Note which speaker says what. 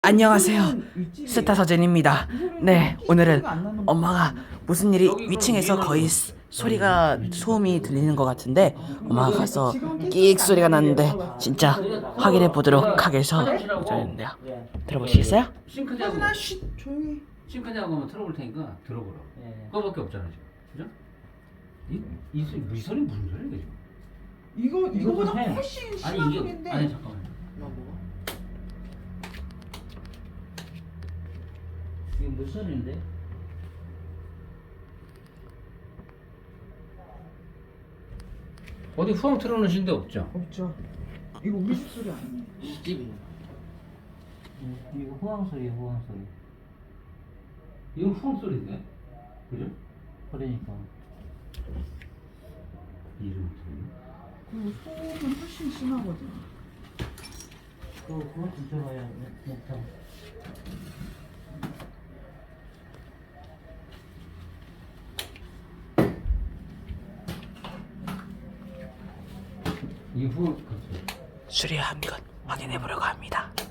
Speaker 1: 안녕하세요. 스타 서진입니다. 네, 오늘은 엄마가 무슨 일이 위층에서 거의 소음이 들리는 것 같은데 엄마가 가서 끽 소리가 났는데 진짜 확인해 보도록 하겠는데요. 들어보시겠어요?
Speaker 2: 싱크대하고
Speaker 3: 하나 쉿 조용히.
Speaker 2: 싱크대하고 한번 틀어볼 테니까 들어보라고. 그거밖에 없잖아 지금. 그죠? 이 소리 무슨 소리야 이게 지금?
Speaker 3: 이거보다
Speaker 2: 해.
Speaker 3: 훨씬 심한
Speaker 2: 아니 이게
Speaker 3: 소리인데.
Speaker 2: 아니 잠깐만. 이게 무슨 소리인데? 어디 후황 틀어놓으신 데 없죠?
Speaker 3: 없죠. 이거 우리 집 소리 아니에요.
Speaker 2: 집. 이거 후황 소리야 후황 소리. 이건 후황 소리인데, 그죠? 그러니까. 이름
Speaker 3: 그리고 소음은 훨씬 심하거든.
Speaker 2: 그거 진짜 봐야 못하. 이후
Speaker 1: 수리한 것 확인해 보려고 합니다.